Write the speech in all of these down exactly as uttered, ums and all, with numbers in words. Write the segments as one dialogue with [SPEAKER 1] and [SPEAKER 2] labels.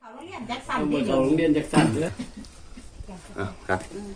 [SPEAKER 1] เขาโรงเรียนแจ็คสัน
[SPEAKER 2] เอา
[SPEAKER 1] ที่
[SPEAKER 2] มาเขาโรงเรียนจากสันเลย
[SPEAKER 3] อ่ะครับ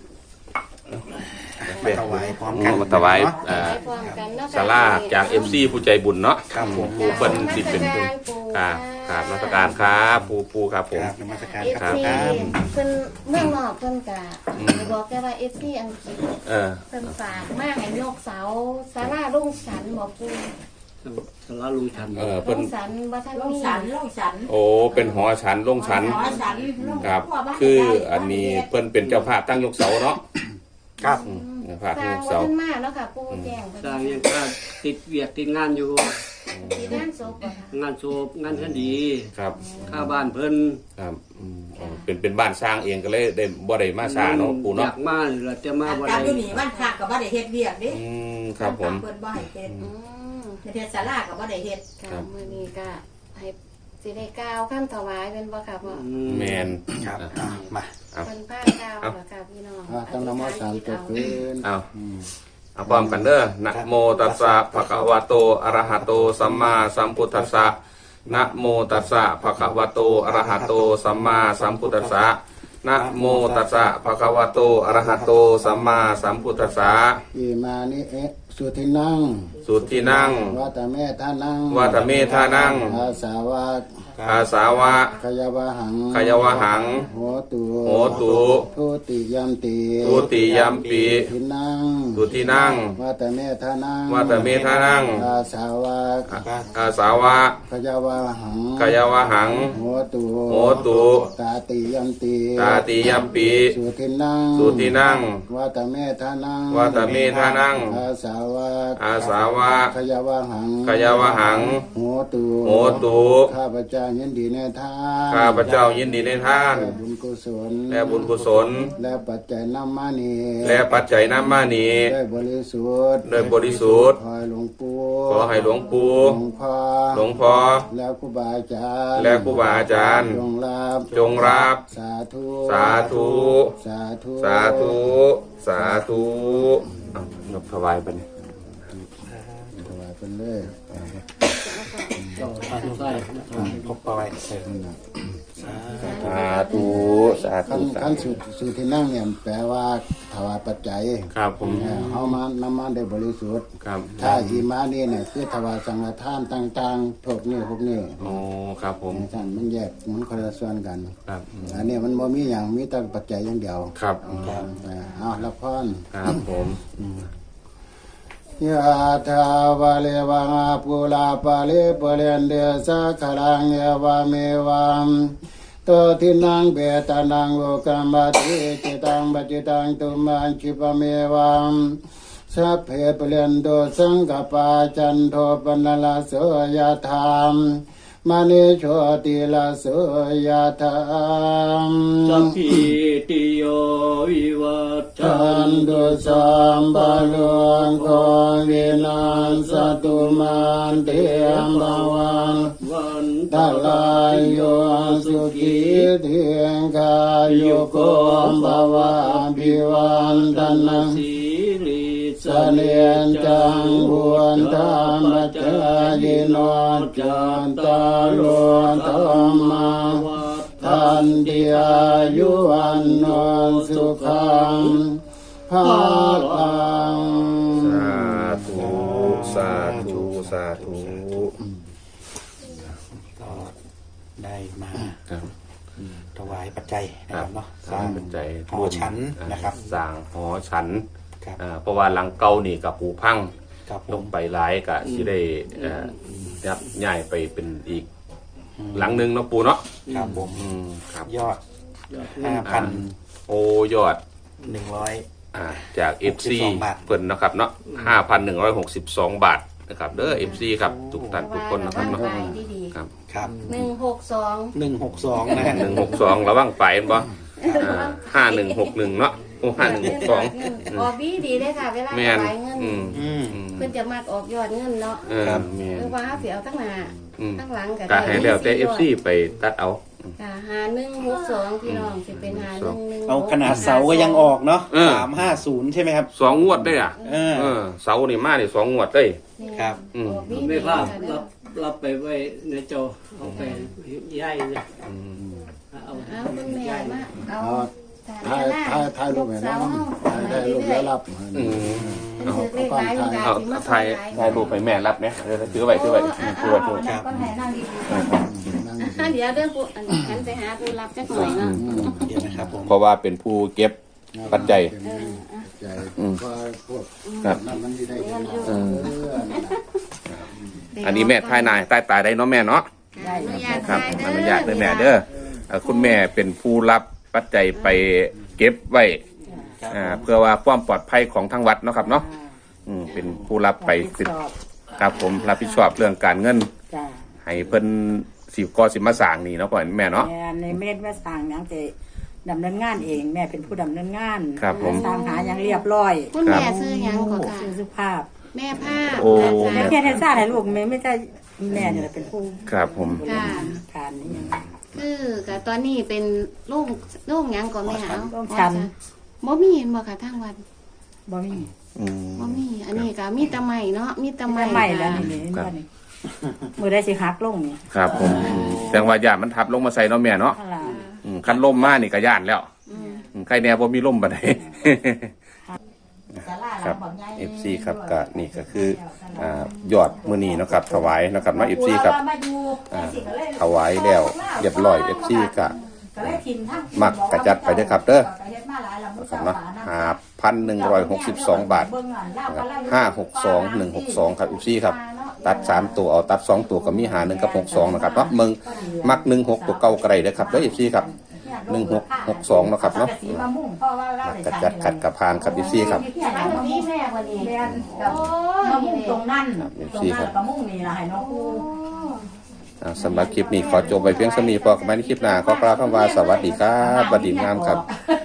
[SPEAKER 4] มาถวายพร้อมกัน
[SPEAKER 3] มาถวายอ่า
[SPEAKER 5] พร้อมกันเนาะ
[SPEAKER 3] ศาลาจากเอฟซีผู้ใจบุญเนาะ
[SPEAKER 4] ครับผม
[SPEAKER 3] ผู้เพิ่นสิเป็นผู้ครับครับราชการครับผู้ผู้ครับผม
[SPEAKER 4] ครับนมัสการ
[SPEAKER 5] เอฟ
[SPEAKER 4] ครับ
[SPEAKER 5] ซี
[SPEAKER 4] ครับ
[SPEAKER 5] เพิ่นเมืองนอกเพิ่นกะบอกแกว่าเอฟซีอังกฤษ
[SPEAKER 3] เออ
[SPEAKER 5] เพิ่นฝากมาให้ยกเสาศาลาลุงสันบอกปู
[SPEAKER 2] สาราลุงชัน
[SPEAKER 3] เออ
[SPEAKER 5] ลุ
[SPEAKER 3] เพิ่น
[SPEAKER 5] งสันบ่ทัน
[SPEAKER 1] ลง
[SPEAKER 5] มี
[SPEAKER 1] สันลงสัน
[SPEAKER 3] โอ้เป็นหอฉันลงฉัน
[SPEAKER 1] หอสันลง
[SPEAKER 3] ครับ
[SPEAKER 1] ทั่วาน
[SPEAKER 3] คืออันนี้เพิ่นเป็นเจ้าภาพตั้งยกเสาเนาะ
[SPEAKER 4] ครับ
[SPEAKER 3] อืมเจ้าภาพ
[SPEAKER 5] ส
[SPEAKER 3] ตั้
[SPEAKER 5] ร้าง ง
[SPEAKER 3] ยก
[SPEAKER 5] บ่
[SPEAKER 3] เสา
[SPEAKER 5] ทันมาเนาะค่ะปูแจ้งเพิ่น
[SPEAKER 2] สร้างยังก็ติดเวียกติดงานอยู่
[SPEAKER 5] ที่งานศพบ่ค่ะ
[SPEAKER 2] งานโศพงานคดี
[SPEAKER 3] ครับ
[SPEAKER 2] ค่าบ้านเพิ่น
[SPEAKER 3] ครับอืมอ๋อเป็นเป็นบ้านสร้างเองก็เลยได้บ่ได้มาสร้างเนาะปู่
[SPEAKER 2] อ
[SPEAKER 3] เนาะ
[SPEAKER 2] ยากมาเราจะมาบ่
[SPEAKER 1] กา
[SPEAKER 2] ได้
[SPEAKER 1] รอยู่นี่บ้านพักกับบ้านได้เฮ็ดเวียกดิ
[SPEAKER 3] อืมครับผม
[SPEAKER 1] เพิ่นบ่ให้เฮ็ด
[SPEAKER 5] อืม
[SPEAKER 1] เฮ็ดศาลากับบ่ได้เฮ็ด
[SPEAKER 5] ค่ะมื้อนี้ก็ให้สิได้กล่าวคำถวายเป็นบ่ค่ะพ่อ
[SPEAKER 2] อืม
[SPEAKER 3] แมน
[SPEAKER 4] ครับอ่ะมา
[SPEAKER 3] ครับ
[SPEAKER 5] เพิ่นพาก้าวแล้วค่ะพี่น้อง
[SPEAKER 6] อ่าตั้งนโมสามจบคืน
[SPEAKER 3] เอาเอาพร้อมกันเด้อนะโมตัสสะภะคะวะโตอะระหะโตสัมมาสัมพุทธัสสะนะโมตัสสะภะคะวะโตอะระหะโตสัมมาสัมพุทธัสสะนะโมตัสสะภะคะวะโตอะระหะโตสัมมาสัมพุทธัสสะ
[SPEAKER 6] อิมานิเอะสุทินัง
[SPEAKER 3] สุทธินั่ง
[SPEAKER 6] วัตเมธานัง
[SPEAKER 3] วัตเมธานัง
[SPEAKER 6] อาสาวะ
[SPEAKER 3] อาสาวะ
[SPEAKER 6] ขยวะหัง
[SPEAKER 3] ขยวะหัง
[SPEAKER 6] โหตุ
[SPEAKER 3] โหตุ
[SPEAKER 6] ทุติยัมติ
[SPEAKER 3] ทุติยัมปิ
[SPEAKER 6] ทินัง
[SPEAKER 3] สุทธินั่ง
[SPEAKER 6] วัตเมธานัง
[SPEAKER 3] วัตเมธานัง
[SPEAKER 6] อาสาวะ
[SPEAKER 3] อาสาวะ
[SPEAKER 6] ขยวะหัง
[SPEAKER 3] ขยวะหัง
[SPEAKER 6] โหตุ
[SPEAKER 3] โหตุ
[SPEAKER 6] ตาติยัมติ
[SPEAKER 3] ตาติยัมปิ
[SPEAKER 6] สุทินัง
[SPEAKER 3] สุทธินั่ง
[SPEAKER 6] วัตเมธานัง
[SPEAKER 3] วัตเมธานัง
[SPEAKER 6] อาสาวะ
[SPEAKER 3] อาสาวะ
[SPEAKER 6] ขยวะหัง
[SPEAKER 3] ขยวะหัง
[SPEAKER 6] โหตุ
[SPEAKER 3] โหตุ
[SPEAKER 6] ข้าพเจ้ายินดีในทาน
[SPEAKER 3] ข้าพเจ้ายินดีในทาน
[SPEAKER 6] และบุญกุศล
[SPEAKER 3] และบุญกุศล
[SPEAKER 6] และปัจจัยน้ำมานี
[SPEAKER 3] และปัจจัยน้ำมานี
[SPEAKER 6] ได้บริสุทธิ์
[SPEAKER 3] โดยบริสุทธิ์
[SPEAKER 6] ขอให้หลวงปู่
[SPEAKER 3] ขอให้หลวงปู่
[SPEAKER 6] หลวงพ่อ
[SPEAKER 3] หลวงพ่อ
[SPEAKER 6] และครูบาอาจารย์
[SPEAKER 3] และครูบาอาจารย์
[SPEAKER 6] จงรับ
[SPEAKER 3] จงรับ
[SPEAKER 6] สาธุ
[SPEAKER 3] สาธุ
[SPEAKER 6] สาธุ
[SPEAKER 3] สาธุ สาธุเอายกถวายไปนี่
[SPEAKER 6] ถวายเป็นเลย
[SPEAKER 2] ต่อทางซ้าย
[SPEAKER 4] พบปล่อย
[SPEAKER 3] สาธุสาธุ
[SPEAKER 6] ขั้น
[SPEAKER 3] สา
[SPEAKER 6] ขั้น
[SPEAKER 3] ธุ
[SPEAKER 6] สุดสุดที่นั่งเนี่ยแปลว่าถวายปัจจัย
[SPEAKER 3] ครับผม
[SPEAKER 6] เออเอามานำมาได้บริสุทธิ์
[SPEAKER 3] ครับ
[SPEAKER 6] ถ้าอีมานี่เนี่ยคือถวายสังฆทานต่างๆพวกนี้พวกนี้
[SPEAKER 3] โอ้ครับผม
[SPEAKER 6] ท่านมันแยกมันคนละส่วนกัน
[SPEAKER 3] ครับอืม
[SPEAKER 6] อันนี้มันบ่มีอย่างมีแต่ปัจจัยอย่างเดียว
[SPEAKER 3] ครับ
[SPEAKER 6] เออเอาละพร
[SPEAKER 3] ครับผม
[SPEAKER 6] ยะถาวะเลวังอาปุลาปะเลปะเรนเดสะขลังเยวะเมวังตัวทินังเบตานังโลกัมบัติจิตังบัจิตังตุมันคิปะเมวังสัพเพเปเรนโดสังกปาจันโทปนลาโสยะธามมณิโชติลาโสยะธาม
[SPEAKER 2] สัพพิติโยวิวัชชั
[SPEAKER 6] ทั
[SPEAKER 2] น
[SPEAKER 6] น
[SPEAKER 2] ตุ
[SPEAKER 6] ตุสัมบาลุงโควินัสสตุมันเตียมบาวัง
[SPEAKER 2] วัน
[SPEAKER 6] ตาลายโยสุขีเทียงกายโยโกมบาวาบิวันตันัง
[SPEAKER 2] สีริ
[SPEAKER 6] เสนียนจังบวนธรรมจายโนจันตาโลธรรมาทันติอายุวันโนสุขังภาลัง
[SPEAKER 3] สาธุสาธุสาธุ
[SPEAKER 4] ก็ได้มา
[SPEAKER 3] ครับ
[SPEAKER 4] ถวายปัจจัยนะครับเนาะ
[SPEAKER 3] สร้างเป็นใจ
[SPEAKER 4] หอฉันนะครับ
[SPEAKER 3] สร้างหอฉัน
[SPEAKER 4] ครับ
[SPEAKER 3] อ่าเพราะว่าหลังเก่านี่กับผูพัง
[SPEAKER 4] ครับผ
[SPEAKER 3] ล
[SPEAKER 4] ม
[SPEAKER 3] งไปหลายก็สิได้เอ่อยับย้ายไปเป็นอีก หลังหนึงเนาะปูเนาะ
[SPEAKER 4] ครับผม
[SPEAKER 3] อืมครับ
[SPEAKER 4] ยอด
[SPEAKER 2] ยอด
[SPEAKER 4] ห้าพัน
[SPEAKER 3] โอ้ยอด
[SPEAKER 4] หนึ่งร้อย
[SPEAKER 3] อ่าจาก เอฟ ซี
[SPEAKER 4] หกสิบสองบาท
[SPEAKER 3] เพิ่นนะครับเนาะ ห้าพันหนึ่งร้อยหกสิบสอง บาทนะครับเด้อ เอฟ ซี ครับทุกท่านทุกคนนะครับ
[SPEAKER 5] ว่า
[SPEAKER 3] เนาะ
[SPEAKER 5] ระวังดี
[SPEAKER 3] ครับ
[SPEAKER 4] ครับ
[SPEAKER 5] ๆหนึ่งหกสอง
[SPEAKER 4] หนึ่งหกสองนะฮะ
[SPEAKER 3] หนึ่งหกสองระวังไปเห็นบ่อ่าห้าหนึ่งหกหนึ่งเนาะโอ้ห้าหนึ่งหกสอง
[SPEAKER 5] ออกดีดีเลยค่ะ เวลา
[SPEAKER 3] แม
[SPEAKER 5] ถ
[SPEAKER 3] น
[SPEAKER 5] วายเงิน
[SPEAKER 3] อืม
[SPEAKER 4] อืม
[SPEAKER 3] อืม
[SPEAKER 5] เพิ่นจะมักออกยอดเงินเนาะ
[SPEAKER 3] เออแมน
[SPEAKER 5] หรือว่าเสียเอาตั้งหน้า
[SPEAKER 3] อืม
[SPEAKER 5] ตั้งหลังก็
[SPEAKER 3] ก็ให้แล้วแต่ เอฟ ซี ไปตัดเอา
[SPEAKER 5] ค่ะหาหนึ่งหกสองพี่น้องสิเป็นหาหนึ่งหนึ่ง
[SPEAKER 4] เอาขนาดเสาก็ยังออกเนาะ
[SPEAKER 3] เออ
[SPEAKER 4] สามห้าศูนย์ใช่ไหมครับ
[SPEAKER 3] สองงวดได้อ่ะ
[SPEAKER 4] เออ
[SPEAKER 3] เออเสานี่มานี่สองงวดได้
[SPEAKER 4] ครับ
[SPEAKER 3] อืม
[SPEAKER 5] ออกดี
[SPEAKER 2] ไม่
[SPEAKER 5] ดี
[SPEAKER 2] พลาด
[SPEAKER 5] ค่ะ
[SPEAKER 2] รับรับไปไว้ในโจเอาไปย่ายเลย
[SPEAKER 3] อืม
[SPEAKER 2] เอา
[SPEAKER 5] เอาคุณแม่มาเอา
[SPEAKER 6] เอาถ่ายถ่ายถ่ายรูปให้น้องถ่ายถ่ายรูปแล้วรับ
[SPEAKER 3] อืม
[SPEAKER 5] เอาเลขหลายคุณตา
[SPEAKER 3] เอา
[SPEAKER 5] สิมา
[SPEAKER 3] ถ่ายถ่ายรูปให้แม่รับเนี่ยเดี๋ยวถือไว้ถือไว้ถือไว้ถือไว้
[SPEAKER 1] นั่งก็ให้นั่งดี
[SPEAKER 6] นั่ง
[SPEAKER 5] อ่ะเดี๋ยวเด้อผู้อันนี้หันไปหาผู้รับจักหน่อยเนาะ
[SPEAKER 4] เดี๋ยวนะครับผม
[SPEAKER 3] เพราะว่าเป็นผู้เก็บปัจจัย
[SPEAKER 6] ใจพอพวก
[SPEAKER 3] ครับ
[SPEAKER 6] นั่นมันสิได้เห็น
[SPEAKER 3] เออ
[SPEAKER 6] เออนั่นน่ะ
[SPEAKER 3] อันนี้แม่ทายนายใต้ตายได้เนาะแม่เนาะ
[SPEAKER 1] ๆได้
[SPEAKER 5] อนุญาต
[SPEAKER 3] ครับ
[SPEAKER 5] ได้
[SPEAKER 3] อ
[SPEAKER 5] เด้อ
[SPEAKER 3] นุญาตเลยแม่เด้อเอ่อคุณแม่เป็นผู้รับปัจจัยไปเก็บไว้อ่าเพื่อว่าความปลอดภัยของทางวัดเนาะครับเนาะอืมเป็นผู้รับไปสิครับผมรับผิดชอบเรื่องการเงิน
[SPEAKER 7] จ้า
[SPEAKER 3] ให้เพิ่นสิก่อสิมาสร้างนี่เนาะก่อนแม่เนาะ
[SPEAKER 7] แม่ในเม็ดแม่สร้างหยังจะดำเนินงานเอง แม่เป็นผู้ดำเนินงาน
[SPEAKER 3] ครับผม
[SPEAKER 7] สร้างหาหยังเรียบร้อย
[SPEAKER 5] คุณแม่ซื้อหยังก็ค่ะ
[SPEAKER 7] ชื่อสุภาพ
[SPEAKER 5] แม่ภาพ
[SPEAKER 3] โอ้
[SPEAKER 7] แม่เพียรให้สร้างให้ลูกแม่ไม่ใช่แม่เนี่ยเป็นผู้
[SPEAKER 3] ครับผม
[SPEAKER 7] บริหารการนี่ยัง
[SPEAKER 5] คือกับตอนนี้เป็นลูกลูกหยังก็แม่เอา
[SPEAKER 7] ลูกฉัน
[SPEAKER 5] บ่มีเห็นบ่ค่ะทางวัด
[SPEAKER 7] บ่มี
[SPEAKER 3] อืม
[SPEAKER 5] บ่มีอันนี้ก็มีแตะไม้เนาะมีแตะไม้
[SPEAKER 7] ไม่ไม่แล้ว
[SPEAKER 5] ค่ะ
[SPEAKER 7] นี่นี่
[SPEAKER 3] ครับ
[SPEAKER 7] บ่นี่มือได้สิหักลงนี่
[SPEAKER 3] ครับผมแต่ว่าย่านมันทับลงมาใส่เนาะแม่เนาะ
[SPEAKER 7] นั่นล่ะ
[SPEAKER 3] อืมคันล่มมานี่ก็ย่านแล้ว
[SPEAKER 5] อืม
[SPEAKER 3] อืมใครแน่บ่มีล่มบ่ได้
[SPEAKER 1] ศาลาห
[SPEAKER 3] ค
[SPEAKER 1] ลั
[SPEAKER 3] รั
[SPEAKER 1] ง
[SPEAKER 3] บ
[SPEAKER 1] บักใหญ่
[SPEAKER 3] เอฟ ซี ครับก็นี่ก็คืออ่ายอดมื้อนี้เนาะครับถวายเนาะครับเนาะ เอฟ ซี ครับอ่าถวายแล้วเรียบร้อย เอฟ ซี ก็มักกระจัดไปเด้อครับเด้อนะครับเนาะห้าพันหนึ่งร้อยหกสิบสองบาทห้าหกสองหนึ่งหกสองครับ เอฟ ซี ครับตัดสามตัวเอาตัดสองตัวก็มีหาหนึ่งกับหกสองนะครับเนาะมึงมักหนึ่งหกตัวเก่าไกลเด้อครับเด้อ เอฟ ซี ครับหนึ่งหกหกสองนะครับเนาะมักกระจัดขัดกระพานครับ เอฟ ซี ครับ
[SPEAKER 5] อันนี้แม่วันนี้
[SPEAKER 1] แม่นกับมะม่วงตรงนั้น
[SPEAKER 3] ครับ
[SPEAKER 1] ตรงนั้นกับมะม่วงนี่ล่ะให้น้องครู
[SPEAKER 3] อ่าสำหรับคลิปนี้ขอจบไปเพียงเท่านี้พอกันใหม่ในคลิปหน้าขอกล่าวคำว่าสวัสดีครับสวัสดีงามครับ
[SPEAKER 1] บ